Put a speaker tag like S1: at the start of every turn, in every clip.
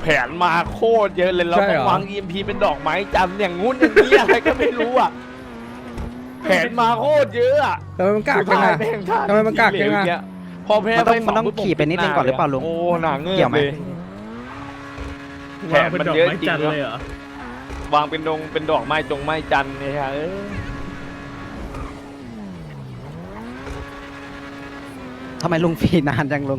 S1: แผนมาโคตรเยอะเลยเรา
S2: ใช่
S1: ต้อ
S2: เหรง อ
S1: วาง EMP เป็นดอกไม้จันทร์อย่างงู้นอย่างนี้อะไรก็ไม่รู้อ่ะแผนมาโคตรเยอะอ่ะ
S2: ทำไมมันกากจัง
S1: สุดท้าย
S2: อะ
S1: แม่งท่า
S2: ทำไมมันกากจังอะ
S1: เหลวเงี้ยพอแพ้
S3: มันต้อง
S1: ไป
S3: ขี่ไปนิดนึงก่อนหรือเปล่าลุง
S1: โอ้หนาเงือ
S3: เกี่ยว
S1: ก
S3: ไหม
S1: เลยแผนมันเยอะจริงเลยวางเป็นดอกไม้ไม้จันทร์เนี่ยฮะ
S3: ทำไมลุงฟรีนานจังลุง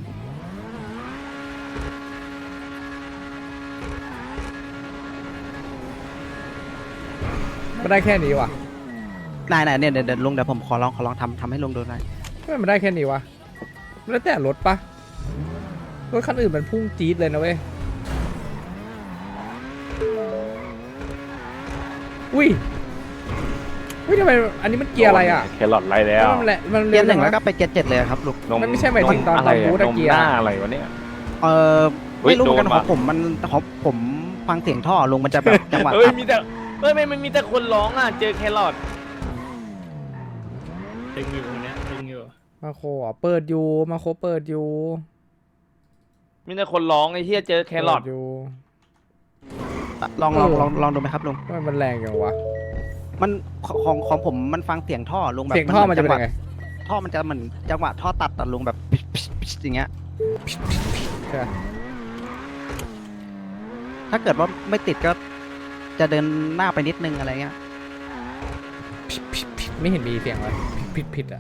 S2: มันได้แค่นี้วะ
S3: นายเนี่ยเดี๋ยวลุงเดี๋ยวผมขอลองทำให้ลุงดูหน่อย
S2: ทำไมมันได้แค่นี้วะแล้วแต่รถปะรถคันอื่นมันพุ่งจี๊ดเลยนะเว้ยอุ้ยทำไมอันนี้มันเกียร์อะไรอ่ะ
S1: แครอทไรแล้ว
S2: มันแหละมัน
S3: เกียร์ห
S2: เร็
S3: นึ่ง
S2: ว
S3: แล้วก็
S2: นะ
S3: ไปเกียร์7เลยครับลุง
S2: มันไม่ใช่หมายถึงตอน
S1: อะไร
S2: บูทอะ
S1: นม
S2: เกียร์
S1: หน้าอะไรวะเนี่ย
S3: ไม่รู้เหมือนกัน
S1: โดน
S3: ข
S1: ว่ะ
S3: องผมมันของผมฟังเสียงท่อลุงมันจะแบบจังหวะ
S1: เฮ้ย
S3: ตัด
S1: มีแต่มันมีแต่คนร้องอ่ะเจอแครอท
S4: ตึงอยู่คนเนี้ยตึงอยู่
S2: มาโคอ่ะเปิดอยู่มาโคเปิดอยู่
S1: มีแต่คนร้องไอ้เหี้ยเจอแครอท
S2: เปิดอยู่
S3: ลองดูไหมครับลุง
S2: ทำไมมันแรงจังวะ
S3: มันของผมมันฟังเสียงท่อลุงแบบ
S2: เสียงท่อมันจะเป็นยังไง
S3: ท่อมันจะเหมือนจังหวะท่อตัดลุงแบบอย่างเงี้ย
S2: ใช่ปะ
S3: ถ้าเกิดว่าไม่ติดก็จะเดินหน้าไปนิดนึงอะไรเงี้ย
S2: ไม่เห็นมีเสียงเลยผิดอ่ะ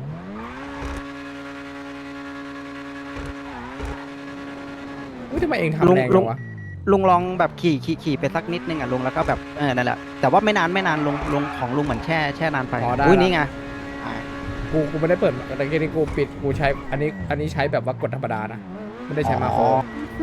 S2: อุ้ยทำไมเองทำแรงจังวะ
S3: ลุงลองแบบขี่ไปสักนิดนึงอ่ะลุงแล้วก็แบบนั่นแหละแต่ว่าไม่นานลุงของลุงเหมือนแช่นานไป
S2: อ๋อได้
S3: อุ้ย
S2: ละ
S3: นี่ไง
S2: กูไม่ได้เปิดแต่แค่นี้กูปิดกูใช้อันนี้ใช้แบบว่ากดธรรมดานะไม่ได้ใช้มาโคร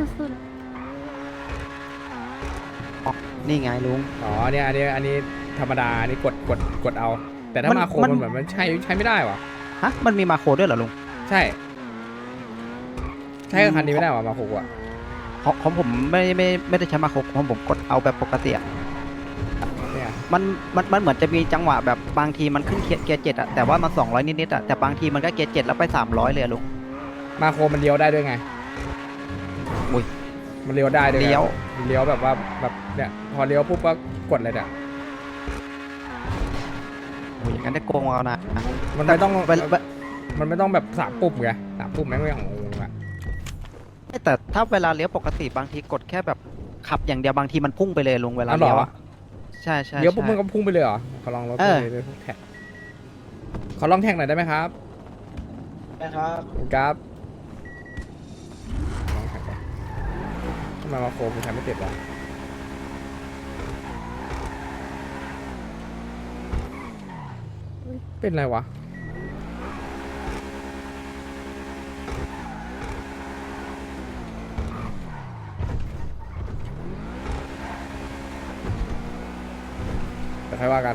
S3: นี่ไงลุง
S2: อ๋อเนี่ยอันนี้ธรรมดาอันนี้กดเอา แต่ถ้า
S3: มัน
S2: มาโคร
S3: มัน
S2: มันเหมือนมันใช้ไม่ได้วะ
S3: ฮะมันมีมาโครด้วยเหรอลุง
S2: ใช่กับคันนี้ไม่ได้วะมาโครอ่ะ
S3: ของผมไม่ได้ใช้มาโครของผมกดเอาแบบปกติอะ
S2: เนี่ย
S3: มันเหมือนจะมีจังหวะแบบบางทีมันขึ้นเกียร์7อะแต่ว่ามัน200นิดๆอะแต่บางทีมันก็เกียร์7แล้วไป300เลยอะลุง
S2: มาโครมันเลี้ยวได้ด้วยไง
S3: อุ้ย
S2: มันเลี้ยวได้ด้วยไง
S3: เลี้ยว
S2: เลี้ยวแบบว่าแบบเนี่ยพอเลี้ยวปุ๊บก็กดเลยเนี่ย
S3: โอ้ยอย่างนั้นได้โกงเอานะ
S2: มันไม่ต้อง
S3: เวลา
S2: มันไม่ต้องแบบ3 ปุ่มไง3 ปุ่มแม่งไม่ของงงอ่ะ
S3: แต่ถ้าเวลาเลี้ยวปกติบางทีกดแค่แบบขับอย่างเดียวบางทีมันพุ่งไปเลยลุงเวลาเลี้ยวอะใช่
S2: เลี้ยวปุ๊บมันก็พุ่งไปเลยเหรอขอลองรถ
S3: เออ
S2: เลยแท็กขอลองแท็กหน่อยได้ไหมครับ
S5: นะครับ
S2: ครับลองแท็กก่อนทำไมมาโครมันใช้ไม่ติดวะเป็นไรวะแต่ใครว่ากัน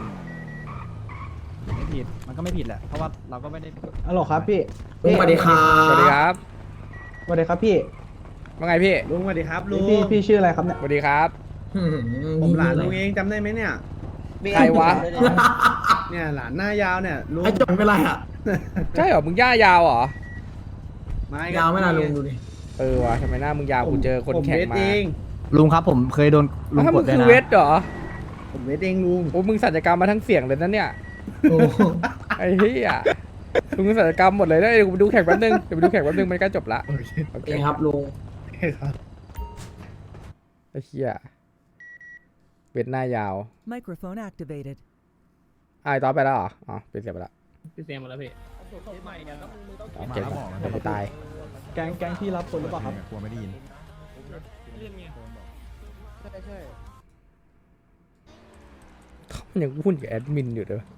S6: ไม่ผิด มันก็ไม่ผิดแหละ เพราะว่าเราก็ไม่ได้
S5: ฮัลโหลครับพี่
S6: ลุงสวัสดีครับ
S2: สวัสดีครับ
S5: สวัสดีครับพี่
S2: ว่าไงพี่
S4: ลุงสวัสดีครับลุง
S5: พี่ชื่ออะไรครับเนี่ย
S2: สวัสดีครับ
S4: ผมหลานลุงเองจำได้ไหมเนี่ย
S2: ใครวะ
S4: เนี่ยหลานหน้ายาวเนี่ยลุง
S6: ไอ้จอนเป็นไรอ่ะ
S2: ใช่เหรอมึงย่ายาวเหรอ
S6: ยาวไม่นานลุงดูดิ
S2: เออวะทำไมหน้ามึงยาวกูเจอคนแข่ง
S4: ผมเวท
S2: มา
S4: เอง
S6: ลุงครับผมเคยโดนลุง
S2: ถ้าก มึ
S6: ด
S2: ง
S6: ด้วย
S2: คือ
S6: นะ
S2: เวทเหรอ
S4: ผมเวทเองลุง
S2: โอ้มึงสัญญกรรมมาทั้งเสียงเลยนะเนี่ย
S6: โอ้
S2: ไอ้เหี้ยมึงสัญญกรรมหมดเลยนะเดี๋ยวกูไปดูแข่งแป๊บนึงเดี๋ยวไปดูแข่งแป๊บนึงมันใกล้จบละโอเค
S6: เองครับลุง
S2: ไอ้เหี้ยเวทหน้ายาว
S7: Microphone activated.
S2: ไอ้ต่อไปแล้วเหรออ๋อปิดเสียงไปละ
S4: พี่เสียงหมดแล้วพี่
S2: โอเคเดี๋ยวกูตาย
S5: แก๊งที่รับคนหรือเปล่าครับ
S6: กลัวไม่ได้ยิน
S2: มันยังพูดกับแอดมินอยู่เลย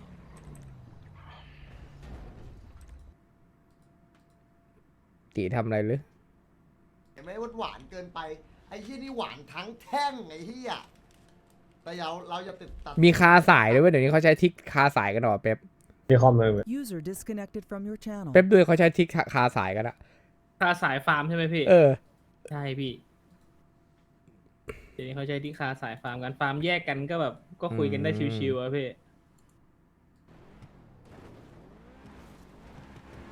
S2: ตีทำอะไรหรือ
S8: เห็นไหมว่าหวานเกินไปไอ้ที่นี่หวานทั้งแท่งไอ้ที่อ่ะแต่เราจะติดตัด
S2: มีคาสายด้วยเวยเดี๋ยวนี้เขาใช้ทิกคาสายกันเหรอเป๊ป
S7: User disconnected from your channel.
S2: เป๊ปด้วยเขาใช้ทิกคาสายกันอะ
S4: คาสายฟาร์มใช่ไหมพี่
S2: เออ
S4: ใช่พี่เดี๋ยวนี้เขาใช้ที่คาสายฟาร์มกันฟาร์มแยกกันก็แบบก็คุยกันได้ชิวๆอะพี่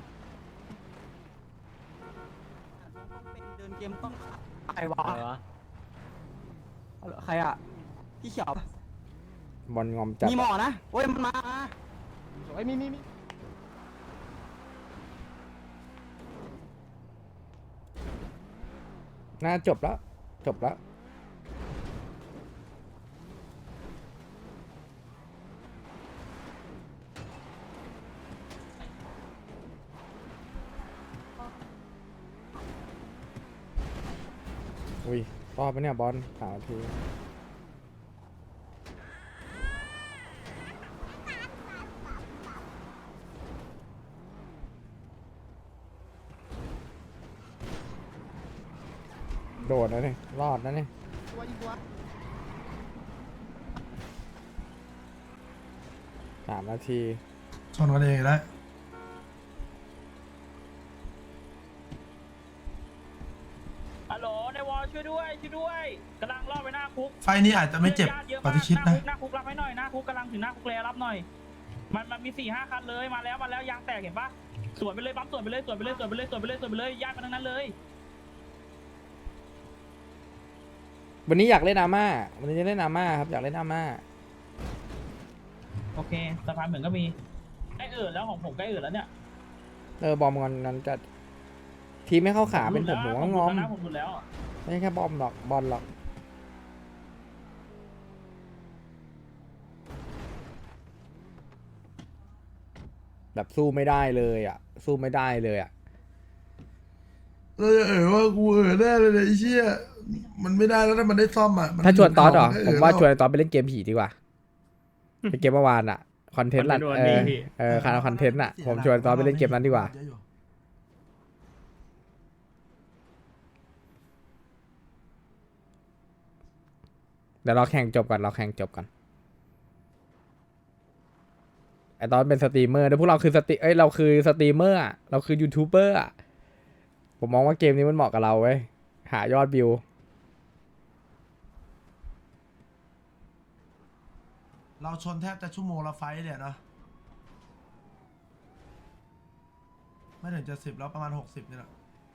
S3: เดินเกมต้องไอ้วะใครอ่ะพี่เขียว
S2: บอลงอมจัด
S3: มีหมอนะโอ้ยมันมาไอ้มี
S2: น่าจบแล้วจบแล้ว อุ้ยรอดปะเนี่ยบอล3 นาทีโดดนะเนี่ยรอดนะเนี่ย3 นาที
S9: ชนกันเองแล้ว
S4: ฮัลโหลในวอลช่วยด้วยกำลังล่อไปหน้าคุก
S9: ไฟนี้อาจจะไม่เจ็บกว่าที่คิดนะ
S4: หน้าคุกรับให้หน่อยหน้าคุกกำลังถึงหน้าคุกแล้วรับหน่อยมันมี4-5 คันเลยมาแล้วยางแตกเห็นปะสวนไปเลยปั๊มสวนไปเลยญาติมันทั้งนั้นเลย
S2: วันนี้อยากเล่นอาม่าวันนี้จะเล่นอาม่าครับอยากเล่นอาม่า
S4: โอเคสะพานเหมือนก็มีใกล้แล้วของผมใกล้แล้วเนี่ย
S2: บอมกันนั้นจะทีมไม่เข้าขาเป็นผมก็งอม
S4: ผมหลุดแล้ว
S2: ไม่ใช่แค่บอมหรอกบอลหรอกแบบสู้ไม่ได้เลยอ่ะสู้ไม่ได้เลยอ่ะ
S9: เราจะว่ากูแน่เลยไอ้เชี่ยมันไม่ได้แล้วถ้ามันได้ซ่อมอ่ะ
S2: ถ้าชวนตอนเหรอ
S9: ให้
S2: ผมว่าชวนตอนไปเล่นเกมผีดีกว่าเป็นเกมเมื่อวานอ่ะคอนเทนต์หลักคอนเทนต์อ่ะผมชวนตอนไปเล่นเกมนั้นดีกว่าเดี๋ยวเราแข่งจบก่อนไอตอนเป็นสตรีมเมอร์แล้วพวกเราคือเราคือสตรีมเมอร์อ่ะเราคือยูทูบเบอร์อ่ะผมมองว่าเกมนี้มันเหมาะกับเราเว้ยหายอดวิว
S9: เราชนแทบจะชั่วโมงละไฟต์เนี่ยนะไม่ถึงจะ10แล้วประมาณ60นี่แหละ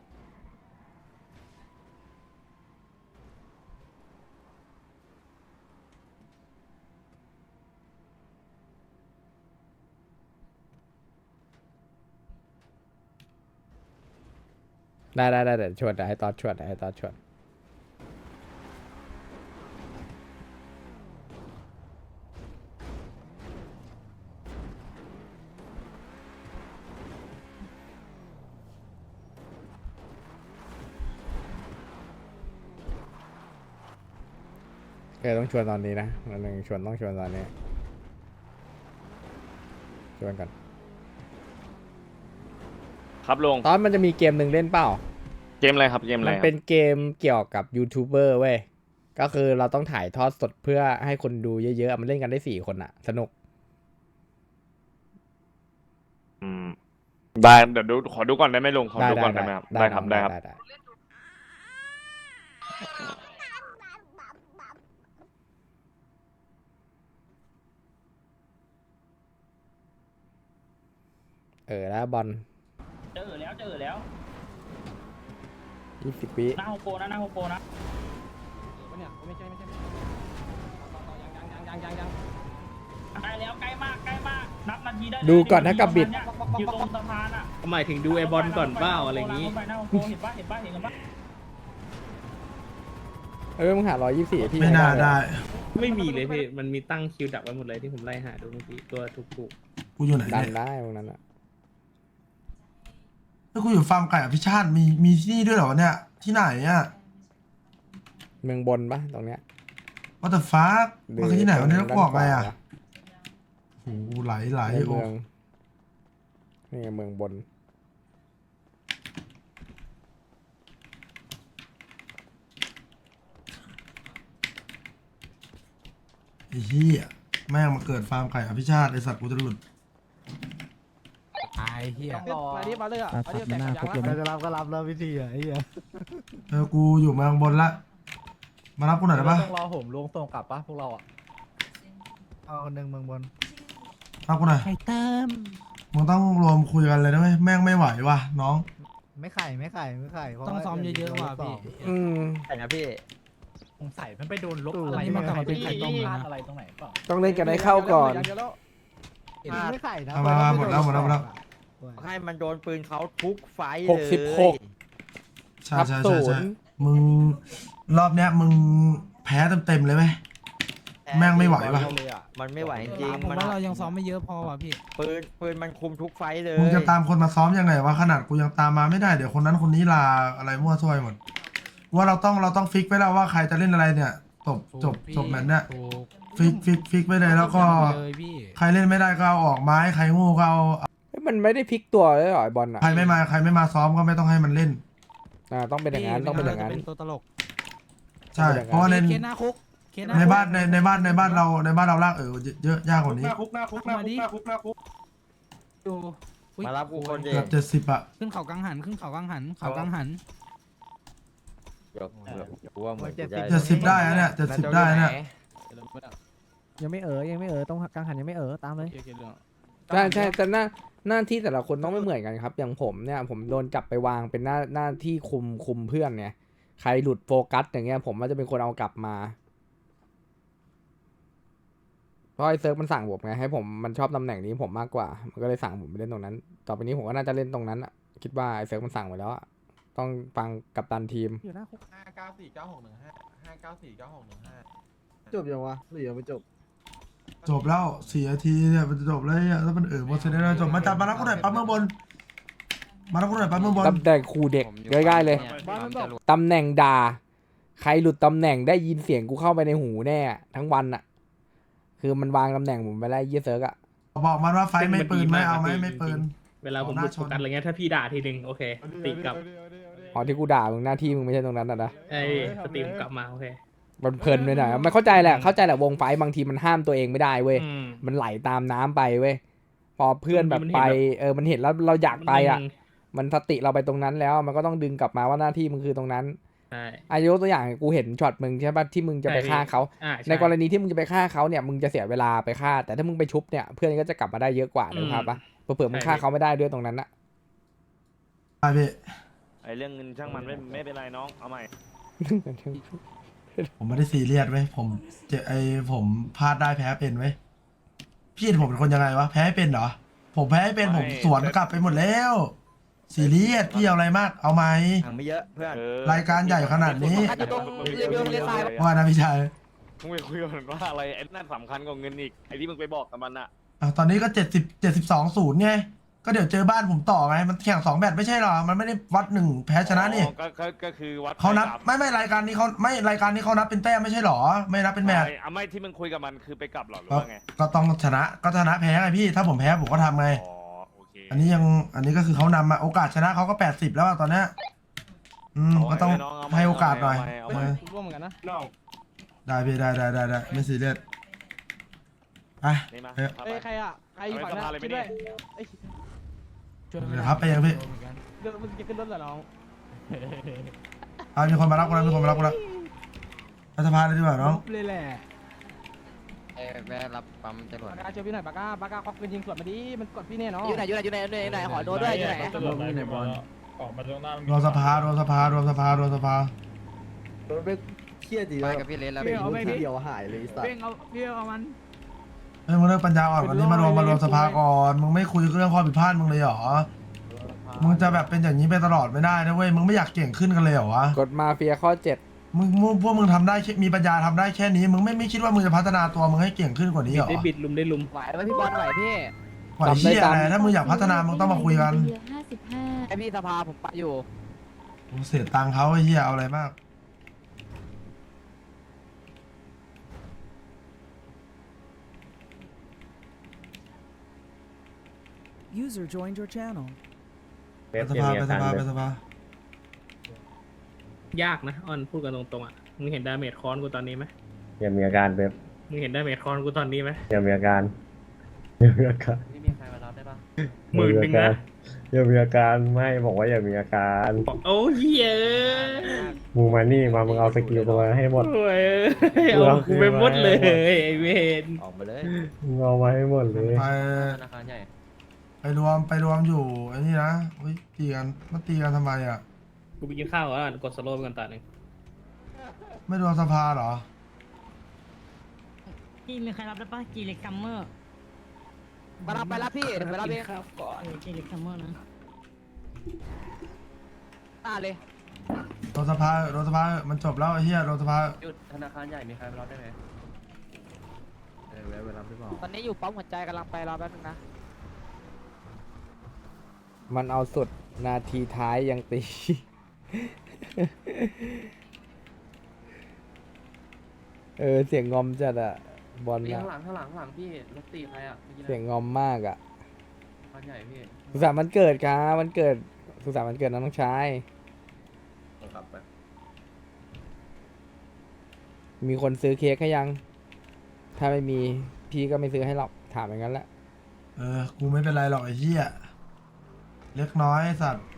S2: ได้เดี๋ยวชวนให้ตอนชวนต้องชวนตอนนี้นะวันหนึ่งต้องชวนตอนนี้ชวนกัน
S1: ครับลุง
S2: ตอนมันจะมีเกมหนึ่งเล่นเปล่า
S1: เกมอะไรครับเกมอะไร
S2: มัน
S1: ครับ
S2: เป็นเกมเกี่ยวกับยูทูบเบอร์เว้ย ก็คือเราต้องถ่ายทอดสดเพื่อให้คนดูเยอะๆ มันเล่นกันได้4 คนอะสนุก
S1: ได้เดี๋ยวขอดูก่อนได้ไหมลุงขอดูก่อนได้ไหมครับได้ครับ
S2: แล้วบอล
S4: เจอแล้ว
S2: 20 วิ
S4: หน้าโฮโปนะได้แล้วใกล้มากนับนาทีได้
S2: ดูก่อนนะกับบิด
S4: อยู่ตรงสะพานอ่ะ
S5: หมายถึงดูไอบอลก่อนเปล่าอะไรอย่างงี้
S4: นี้หน้าโฮโปเห็นปะกันปะ
S2: มึงหา124พี่
S9: ไม่น่าได้
S5: ไม่มีเลยพี่มันมีตั้งคิวดักไว้หมดเลยที่ผมไล่หาดูเมื่อกี้ตัวถูก
S9: กูอยู่ไหน
S2: ดัน
S9: เนี่ย
S2: ได้ตรงนั้นอะ
S9: แล้วกูอยู่ฟาร์มไก่อภิชาติมีที่นี่ด้วยเหรอเนี่ยที่ไหนอ่ะ
S2: เมืองบนปะตรงเนี้ย
S9: What the fuck
S2: หรื
S9: มันคือที่ไหนวันนี้ต้องบอกไงอ่ะ
S2: ด้านขวา
S9: โอ้โหไหล
S2: ใน
S9: โอ้
S2: เมืองนี่ไงเมืองบน
S9: ไอ้เหี้ยแม่งมาเกิดฟาร์มไก่อภิชาติไอสัตว์กูจะหลุด
S6: ไอ้เหี้ย
S3: อันนี้มาเลยอ่ะอันนี้แต่งยัง
S6: ใครจะรับก็รับแล้ววิธีอ่ะไอ้เหี้ย
S9: กูอยู่เมืองบนละมารับกูหน่อยได้ปะ
S6: ต้องรอผมลงส่งกลับปะพวกเราอ่ะเอาคนหนึ่งเมืองบน
S9: รับกูหน่อย
S3: ไข่เติม
S9: มึงต้องรวมคุยกันเลยนะเว้ยแม่งไม่ไหวว่ะน้อง
S6: ไม่ไข่เพราะ
S3: ต้องซ้อมเยอะๆว่ะพี่
S2: อืม
S3: แต่นะพี่
S6: สงสัยมันไปโดนลบอะไรมันกลับมาเป็นไข่ต้มพลาดอะไรตรงไหนเปล่า
S2: ต้องเล่นกันให้เข้าก่อน
S6: ไม่ไข่นะ
S9: มาหมดแล้วหมดแล้วหมดแล้ว
S3: ให้มันโดนปืนเขาทุกไฟ
S2: 66
S9: ใช่
S2: ทับ
S9: ใช่
S2: ศู
S9: ใช่ใช่
S2: นย์
S9: มึงรอบเนี้ยมึงแพ้เต็มเลยไหมแม่งไม่ไหวว่ะ
S3: มันไม่ไหวจริง
S6: ผมว่าเรายังซ้อมไม่เยอะพอว่ะพี่
S3: ปืนมันคุมทุกไฟเลย
S9: มึงจะตามคนมาซ้อมยังไงวะขนาดกูยังตามมาไม่ได้เดี๋ยวคนนั้นคนนี้ลาอะไรมั่วซั่วไปหมดว่าเราต้องฟิกไว้แล้วว่าใครจะเล่นอะไรเนี่ยจบแมตช์เนี่ยฟิกไว้เลยแล้วก็ใครเล่นไม่ได้ก็เอาออกไม้ใครโง่ก็เอา
S2: เฮ้ยมันไม่ได้พลิกตัวเลยเหรอไอ้บอลอ่ะ
S9: ใครไม่มาซ้อมก็ไม่ต้องให้มันเล่น
S2: ต้องเป็นอย่างนั้นต้องเป็นอย่างนั้น
S6: เป็นตัวตลก
S9: ใช่เพราะว่าใน
S6: เคสหน้าคุกเคสหน้า
S9: ในบ้านเราลากเยอะยากกว่านี้
S6: ดู
S3: มารับกูคนเดีย
S9: เกื
S3: ว
S9: อบ70อ่ะ
S6: ขึ้นเขากังหันเขากังหัน
S3: ว่าเหมือนจะ
S9: 70ได้นะเนี่ย70ได้นะ
S10: ยังไม่ต้องกังหันยังไม่ตามเลย
S2: ใช่แต่หน้าที่แต่ละคนต้องไม่เหมือนกันครับ อย่างผมเนี่ยผมโดนจับไปวางเป็นหน้าที่คุมเพื่อนเนี่ยใครหลุดโฟกัสอย่างเงี้ยผมว่าจะเป็นคนเอากลับมาเพราะไอ้เซิร์ฟมันสั่งผมไงให้ผมมันชอบตำแหน่งนี้ผมมากกว่ามันก็เลยสั่งผมไปเล่นตรงนั้น ต่อไปนี้ผมก็น่าจะเล่นตรงนั้นอ่ะคิดว่าไอ้เซิร์ฟมันสั่งไว้แล้วอะต้องฟังกัปตันทีม
S10: อยู่หน้าคุก
S6: จบยังวะหรือยังไม่จบ
S9: จบแล้ว4 นาทีเนี่ยมันจะจบแล้วเนี่ยแล้วมันหมดเสร็จแล้วจบมาจับมารับกูหน่อยปั๊มเมืองบนมารับกูหน่อยปั๊มเมืองบน
S2: ตำแหน่งครูเด็กง่ายๆเลยตำแหน่งด่าใครหลุดตำแหน่งได้ยินเสียงกูเข้าไปในหูแน่ทั้งวันอะคือมันวางตำแหน่งผมไปแล้วยี่เซิร์กอะ
S9: บอกมันว่าไฟไม่ปืนไม่เอาไม่ปืน
S5: เวลาผมหลุดโฟกัสอะไรเงี้ยถ้าพี่ด่าทีนึงโอเคตีกลับ
S2: อ๋อที่กูด่ามึงหน้าที่มึงไม่ใช่ตรงนั้นนะ
S5: ไอ้สตรีมกลับมาโอเค
S2: มันเพลินไปหน่อยมันเข้าใจแหละวงไฟบางทีมันห้ามตัวเองไม่ได้เว้ยมันไหลตามน้ำไปเว้ยพอเพื่อนแบบไปมันเห็นแล้วเราอยากไปอะมันสติเราไปตรงนั้นแล้วมันก็ต้องดึงกลับมาว่าหน้าที่มึงคือตรงนั้น
S5: ใช่
S2: อายุตัวอย่างกูเห็นช็อตมึงใช่ป่ะที่มึงจะไปฆ่าเขา ในกรณีที่มึงจะไปฆ่าเขาเนี่ยมึงจะเสียเวลาไปฆ่าแต่ถ้ามึงไปชุบเนี่ยเพื่อนก็จะกลับมาได้เยอะกว่านะครับปะเผื่อมึงฆ่าเขาไม่ได้ด้วยตรงนั้นอะ
S9: ไปพี่
S1: ไอเรื่องเงินช่างมันไม่เป็นไรน้องเอาใหม่
S9: ผมไม่ได้ซีเรียสไว้ยผมผมพลาดได้แพ้เป็นไว้ยพี่เห็นผมเป็นคนยังไงวะแพ้เป็นเหรอผมแพ้เป็นผมสวนกลับไปหมดแล้วซีเรียสพี่เอาอะไรมากเอาไหม
S3: ไม่เยอะเพื่อน
S9: รายการใหญ่ขนาดนี้ ว่านะพี่ชาย
S1: มึงไปคุยกับมันว่าอะไรไอ้นั่นสำคัญกว่าเงินอีกไอ้ที่มึงไปบอกกับมันอะ
S9: ตอนนี้ก็72-0ไงก็เดี๋ยวเจอบ้านผมต่อไงมันแข่ง2แมตช์ไม่ใช่หรอมันไม่ได้วัด1แพ้ชนะนี่
S1: ก็คือวัด
S9: เขานับไม่รายการนี้เขานับเป็นแต้มไม่ใช่หรอไม่นับเป็นแมตช์
S1: ไม่ที่มึงคุยกับมันคือไปกลับหรอหรือว่าไง
S9: ก็ต้องชนะแพ้ไงพี่ถ้าผมแพ้ผมก็ทำไง
S1: อ๋อโอเค
S9: อันนี้ก็คือเขานำมาโอกาสชนะเขาก็80แล้วอะตอนเนี้ยก็ต้องให้โอกาสหน่อย
S6: ร่วมเหมือนกันนะ
S9: ได้พี่ได้ไม่ซีเรียสไป
S1: นี่มา
S6: เอ้ยใครอ่ะใครอยู่ฝั่งนั้นคิดด้วย
S9: เดี๋ยวครับไปยังพี่
S6: เดี๋ยวมึงจะขึ้นรถเหรอน้อง
S9: มีคนมารับกูแล้วไปสะพานเลยดีกว่าน้อง
S6: เลยแหละ
S3: แม่รับปั๊มจรวด
S6: ปากกาเจอพี่หน่อยปากกาควักปืนยิงสวนมาดิมันกดพี่แน่เนาะ
S3: อยู่ไหนขอโดนด้วยอยู่ไหน
S9: รวมสภารวมสภา
S3: ไปกับพี่เลนแล้ว
S6: พี่เอาไม่เดียวหายเลยสัตว์พี่เอามัน
S9: เฮ้ยมึงเลิกปัญญาอ่อนวันนี้มารวมสภาก่อนมึงไม่คุยเรื่องข้อผิดพลาดมึงเลยเหรอมึงจะแบบเป็นอย่างนี้ไปตลอดไม่ได้นะเว้ยมึงไม่อยากเก่งขึ้นกันเลยเหรอวะ
S2: กฎมาเฟียข้อ 7
S9: พวกมึงทำได้มีปัญญาทำได้แค่นี้มึงไม่คิดว่ามึงจะพัฒนาตัวมึงให้เก่งขึ้นกว่านี้เหรอ
S5: ได้บิดลุมได้ลุม
S3: ไหวไหมพี่บอลไหวพี่
S9: ไหวเชี่ยอะไรถ้ามึงอยากพัฒนามึงต้องมาคุยกัน
S3: ไอพี่สภาผมปะอยู่
S9: กูเสียตังค์เขาไอ้เหี้ยเอาอะไรมาก
S7: User joined your channel.
S9: ไปสภา
S5: ยากนะออนพูดกันตรงๆอ่ะมึงเห็นดาเมจคอนกูตอนนี้ไหม
S1: ยังมีอาการแบบ
S5: มึงเห็นดาเมจคอนกูตอนนี้ไหม
S1: ยังมีอาการ
S3: นี่มีใครมารับได้ปะ
S5: 10,000นะ
S1: ยังมีอาการไม่บอกว่ายังมีอาการ
S5: โอ้ยเย้ย
S1: มึงมานี่มามึงเอาสกิลตัวให้หมด
S5: โอ้ยเอากูไปหมดเลยไอเวน
S3: ออกมาเลย
S1: มึงเอามาให้หมดเลย
S9: ไป
S3: ธนาคารใหญ่
S9: ไปรวมอยู่ไอ้นี่นะตีกันทำไมอ่ะ
S5: กูไปกินข้าวก่อนกดสโลว์ไปก่อนตาหนึ่ง
S9: ไม่รวมสภาเหรอ
S11: จีมีใครรับได้ปะจีเล็กซัมเมอร์
S3: มารับไปรับพี่เดี๋ยวไปรับเอง
S11: ครับก่อนจีเล็กซัมเมอร์นะ
S3: เลย
S9: รวมสภารวมสภามันจบแล้วไอ้เหี้ยรวมสภา
S5: หยุดธนาคารใหญ่มีใครมารับได้ไหมแวะไปรับได้เปล่า
S3: ตอนนี้อยู่ปั๊มหัวใจกำลังไปรอแป๊บนึงนะ
S2: มันเอาสุดนาทีท้ายยังตี เสียงงอมจัดอะบอล
S5: พี่
S2: อะ
S5: ข้างหลังพี่รถตีใครอ่ะ
S2: เสียงงอมมากอะ
S5: ธนาคารใหญ่พี่
S2: สุขสันต์วันเกิดครับวันเกิดสุขสันต์วันเกิดน้องชาย
S5: กลับไป
S2: มีคนซื้อเค้กให้ยัง ถ้าไม่มีพี่ก็ไม่ซื้อให้หรอกถามอย่างนั้นแหละ
S9: กูไม่เป็นไรหรอกไอ้เหี้ยเล็กน้อยไอ้สัตว์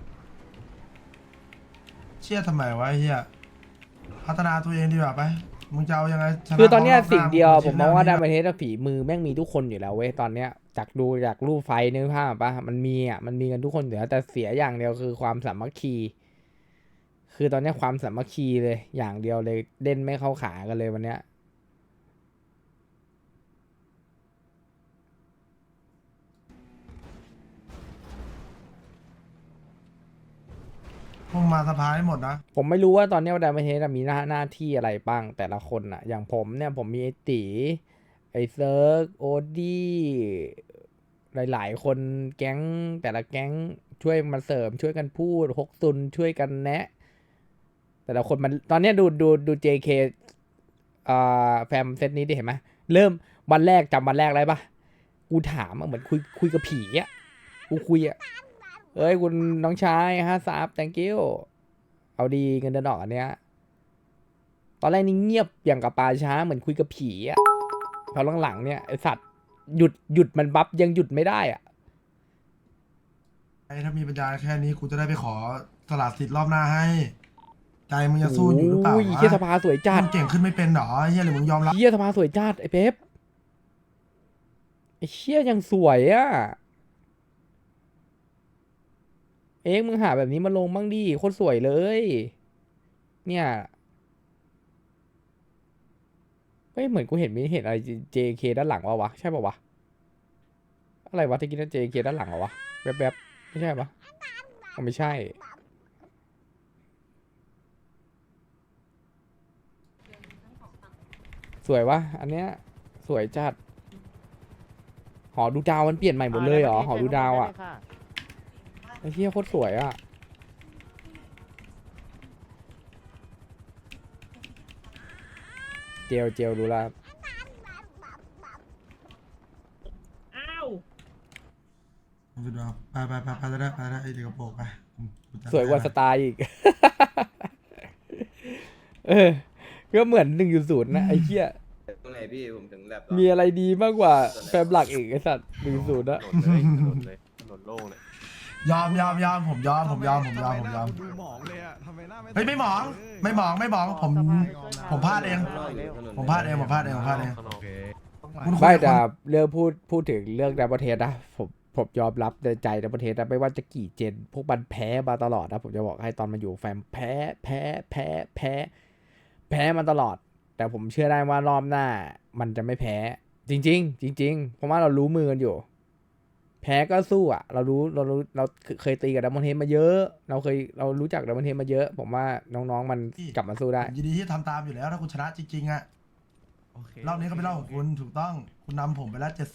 S9: เชี่ยทำไมวะไอ้เหี้ยพัฒนาตัวเองดีกว่าไปมึงจะเอายังไงชะ
S2: คือตอนเนี้ย
S9: รบหา
S2: สิ่งเดียว
S9: ง
S2: ผมมองว่า
S9: ชิ้
S2: ดาน ประเทศฝีมือแม่งมีทุกคนอยู่แล้วเว้ยตอนเนี้ยจากดูจากรูปไฟนึกภาพปะมันมีอ่ะมันมีกันทุกคนอยู่แล้วแต่เสียอย่างเดียวคือความสามัคคี คือตอนเนี้ยความสามัคคีเลยอย่างเดียวเลยเล่นไม่เข้าขากันเลยวันเนี้ย
S9: พวกมาสภาให้หมดนะ
S2: ผมไม่รู้ว่าตอนเนี้ยดาประเทศมีหน้าที่อะไรบ้างแต่ละคนอ่ะ อย่างผมเนี่ยผมมีไอตีไอเซิร์กโอดี้หลายๆคนแก๊งแต่ละแก๊งช่วยมาเสริมช่วยกันพูดฮกซุนช่วยกันแนะ แต่ละคนมันตอนเนี้ยดู JK แฟมเซตนี้ดิเห็นไหมเริ่มวันแรกจำวันแรกอะไรปะกูถามอะเหมือนคุยกับผีอะกูคุยอะเอ้ยคุณน้องชาย50 thank you เอาดีเงินเดือนออกอันเนี้ยตอนแรกนี่เงียบอย่างกับปลาช้าเหมือนคุยกับผีอะพอหลังๆเนี่ยไอสัตว์หยุดมันบัฟยังหยุดไม่ได้อะ
S9: ไอ้ถ้ามีปัญญาแค่นี้กูจะได้ไปขอสละสิทธิ์รอบหน้าให้ ใจมึงจะสู้อยู่หรือเปล่า
S2: โอ้ยเฮียสภาสวยจัด
S9: มึงเก่งขึ้นไม่เป็นหรอเฮียหรือมึงยอมรับ
S2: เฮียสภาสวยจัดไอ้เป๊ปไอ้เฮียยังสวยอะเอ็กซ์มึงหาแบบนี้มาลงบ้างดิโคตรสวยเลย เนี่ยเฮ้ยเหมือนกูเห็นอะไร JK ด้านหลังวะใช่ป่าวะอะไรวะตะกี้นั่น JK ด้านหลังเหรอวะแวบๆไม่ใช่ปะอ๋อไม่ใช่ สวยวะอันเนี้ยสวยจัดหอดูดาวมันเปลี่ยนใหม่หมดเลยเหรอหอดูดาวอ่ะไอ้เหี้ยโคตรสวยอ่ะเจลดูแล
S4: อ้าว
S9: ดูดูไปได้ไอ้เด็กกระโปรงไปกูจะ
S2: สวยกว่าสไตล์อีก ก็เหมือน1.0นะไอ้เหี้ย
S5: ตรงไหนพี่ผมถึงแบบ
S2: มีอะไรดีมากกว่าแฟมหลักอีกไอ้สัตว์1.0นะ
S1: ถนนโล่งเลย
S9: ยอมผมยอม
S6: ดูหมองเลยอะทำไมหน้าไม่
S9: เฮ้ยไม่หมองผมพลาดเอง ผมพลาดเอง
S6: โอเค
S9: คุณคุย
S2: ไม่
S9: กับ
S2: แต่
S9: คน
S2: เรื่องพูดถึงเรื่องดับเบิลเทสนะผมยอมรับในใจดับเบิลเทสนะไม่ว่าจะกี่เจน พวกมันแพ้มาตลอดนะผมจะบอกให้ตอนมาอยู่แฟมแพ้มาตลอด แต่ผมเชื่อได้ว่ารอบหน้ามันจะไม่แพ้ จริง เพราะว่าเรารู้มือกันอยู่ แพ้ก็สู้อ่ะ เราเคยตีกับดับเบิลเทสมาเยอะ เรารู้จักดับเบิลเทสมาเยอะ ผมว่าน้องๆมันกลับมาสู้ได้
S9: ผมยินดีที่ทำตามอยู่แล้วถ้าคุณชนะจริงๆอะ
S6: โอเค
S9: รอบนี้ก็เป็นรอบของคุณถูกต้องคุณนำผมไปแล้ว70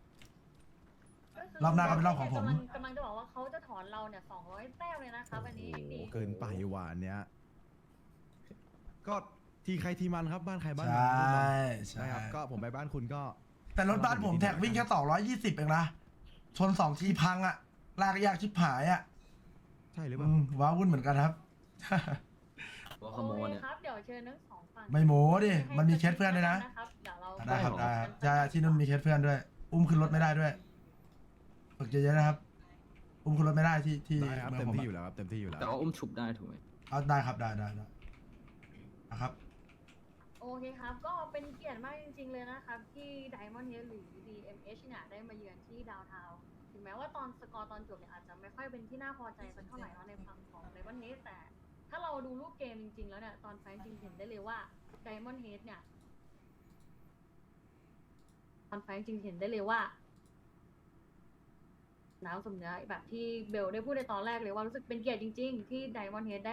S9: รอบหน้าก็เป็นรอบของผม
S11: กำลังจะบอกว่าเขาจะถอนเราเนี่ย200 แต้มเลยนะคะวันนี้
S6: เกินไปหวานเนี้ยก็ทีใครทีมันครับบ้านใครบ้าน
S9: ใช
S6: มัน่
S9: ใช่
S6: ครับก็ผมไปบ้านคุณก็
S9: แต่รถบ้านผมแท็กวิ่งแค่220เองนะชน2ทีพังอะลากยากชิบหายอะ
S6: ใช่หรือเปล่า
S9: ว้าวุ่นเหมือนกันครับ
S11: โอเคครับเดี๋ยวเชิญทั้งสองฝั่ง
S9: ไม่โม้ดิมันมีเคสเพื่อนด้วยนะ
S11: เดี๋ยวเรา
S9: ได้ครับใช่ที่นู่นมีเคสเพื่อนด้วย อุ้มขึ้นรถไม่ได้ด้วยฝึกเยอะๆนะครับ อุ้มขึ้นรถไม่ได้ที่
S6: ได้ครับ
S9: เมื
S6: เต็
S9: อง
S6: ม
S9: ผม
S6: ที่อ
S9: อะ
S6: ยู่แล้วครับเต็มที่อยู่แล้ว
S5: แต่ว่าอุ้มฉุบได้ถูกไหม
S9: เอาได้ครับได้นะครับ
S11: โอเคครับ ก็เป็นเกียรติมากจริงๆเลยนะครับ ที่ Diamond Head หรือ DMH เนี่ยได้มาเยือนที่ดาวน์ทาวน์ถึงแม้ว่าตอนสกอร์ตอนจบเนี่ยอาจจะไม่ค่อยเป็นที่น่าพอใจสักเท่าไหร่เนาะในฝั่งของ Diamond Head แต่ถ้าเราดูรูปเกมจริงๆแล้วเนี่ยตอนไฟท์จริงเห็นได้เลยว่า Diamond Head เนี่ยตอนไฟท์จริงเห็นได้เลยว่าน้ำสมเนื้อแบบที่เบลได้พูดในตอนแรกเลยว่ารู้สึกเป็นเกียรติจริงๆที่ Diamond Head ได้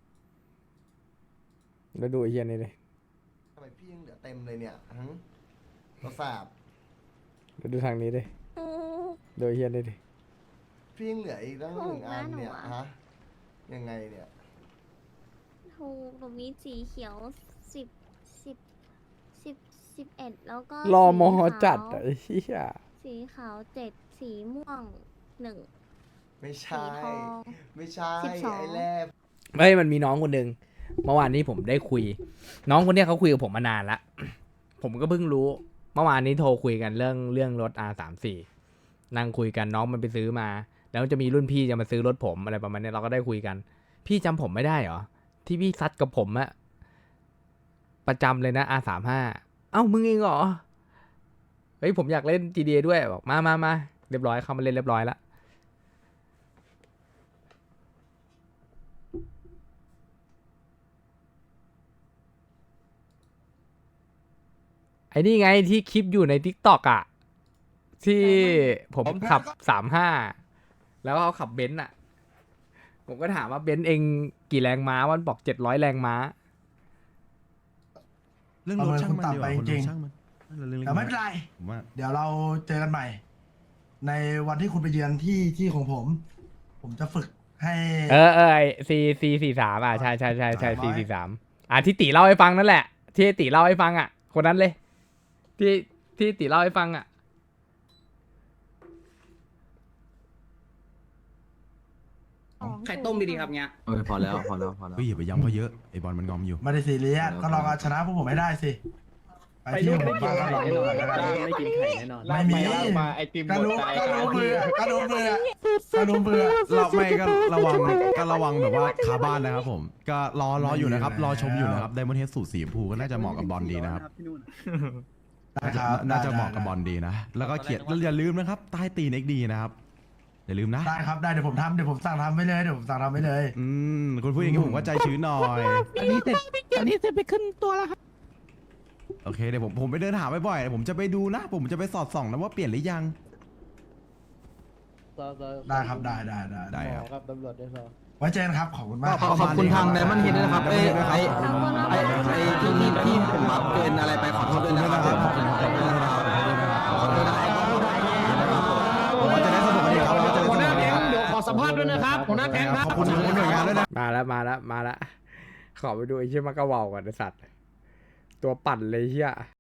S2: แล้วดูไอ้เฮียนี่เลย
S8: ทำไมพี่ยังเหลือเต็มเลยเนี่ยทั้งกระแสบ
S2: แล้วดูทางนี้ดิดูไอ้เฮียนี่ดิ
S8: พี่ยังเหลืออีกตั้งหนึ่งอันเนี่ยฮะยังไงเนี่ย
S11: ถูกหนูมีสีเขียว11แล้วก็
S2: รอมอจัดอะไอ้เฮีย
S11: สีขาว7สีม่วง1
S8: ไม่
S11: สี
S8: ใช่
S11: ทอง
S8: ไม่ใช่
S11: 12
S8: ไอ้แรก
S2: เฮ้ยมันมีน้องคนหนึ่งเมื่อวานนี้ผมได้คุย น้องคนเนี้ยเขาคุยกับผมมานานละ ผมก็เพิ่งรู้ เมื่อวานนี้โทรคุยกันเรื่องรถ R34 นั่งคุยกันน้องมันไปซื้อมา แล้วจะมีรุ่นพี่จะมาซื้อรถผมอะไรประมาณนี้เราก็ได้คุยกัน พี่จำผมไม่ได้เหรอที่พี่ซัดกับผมอะประจำเลยนะ R35 เอ้ามึงเองเหรอเฮ้ยผมอยากเล่น GTA ด้วยบอกมาเรียบร้อยเข้ามาเล่นเรียบร้อยแล้วไอ้นี่ไงที่คลิปอยู่ใน TikTok อ่ะที่ผมขับ35แล้วเขาขับเบนซ์อ่ะผมก็ถามว่าเบนซ์เองกี่แรงม้ามันบอก700แรงม้า
S6: เรื่องรถช่างมันดีกว่า
S9: เอาเงินคุณต่ำไปจริง
S6: ช่างมันเรื่องเล็กๆ
S9: แต่ไม่เป็นไร
S6: ผมว่า
S9: เดี๋ยวเราเจอกันใหม่ ในวันที่คุณไปเยือนที่ของผม ผมจะฝึกให้
S2: ไอC43อ่ะใช่C43ที่ติเล่าให้ฟังนั่นแหละที่ติเล่าให้ฟังอ่ะคนนั้นเลยที่ติเล่าให้ฟังอ่ะ
S11: ไข่ต้มดีๆครับเนี้ย
S1: พอแล้ว
S6: เฮ้ยอย่าไปย้ำเขาเยอะไอ้บอลมันงอมอยู่
S9: ไม่ได้ซีเรียสก็ลองเอาชนะพวกผมให้ได้สิ ไปที่ผมบ้างก็ลองดูกันก็ได้
S5: ไม่กินไข่แน่นอน
S9: ไม่มี
S1: มาไอติม
S9: ก็รู้เบื่อก็รู้เบื่อ
S6: เราไม่ก็ระวังแบบว่าคาบ้านนะครับผมก็รออยู่นะครับรอชมอยู่นะครับไดมอนด์เฮดสูตรสีชมพูก็น่าจะเหมาะกับบอลดีนะครับ น่าจะเหมาะกับบอลดีนะแล้วก็เขียนแล้วอย่าลืมนะครับใต้ตีน XD นะครับอย่าลืมนะ
S9: ได้ครับได้เดี๋ยวผมสั่งทำไว้เลย
S6: คุณพูดอย่างนี้ผมก็ใจชื้นหน่อย
S10: อันนี้เสร็จไปขึ้นตัวแล้วครับ
S6: โอเคเดี๋ยวผมไปเดินหาบ่อยๆผมจะไปดูนะ ผมจะไปสอดส่องนะว่าเปลี่ยนหรือยัง
S9: ได้ครับได้
S6: ได้ครับ
S5: ครับตำรวจด้วยครับ
S9: ไว้เจอกันครับขอบคุณมาก
S3: ขอบคุณทางไดมอนด์เฮดด้วยนะครับไอ้ที่ผมบัฟเกินอะไรไปขอโทษด้วยนะครับ
S6: ผมว่าจะได้สนุกกันอีกครับเราจะได้สนุกกันอีกครับ
S5: เดี๋ยวขอสัมภาษณ์ด้วยนะครับหัวหน้าแก๊งครับ
S6: ขอบคุณหน่วยงานด้วยนะ
S2: มาแล้วขอไปดูไอ้เชี่ยมากระเว่าก่อนไอ้สัตว์ตัวปั่นเลยเฮีย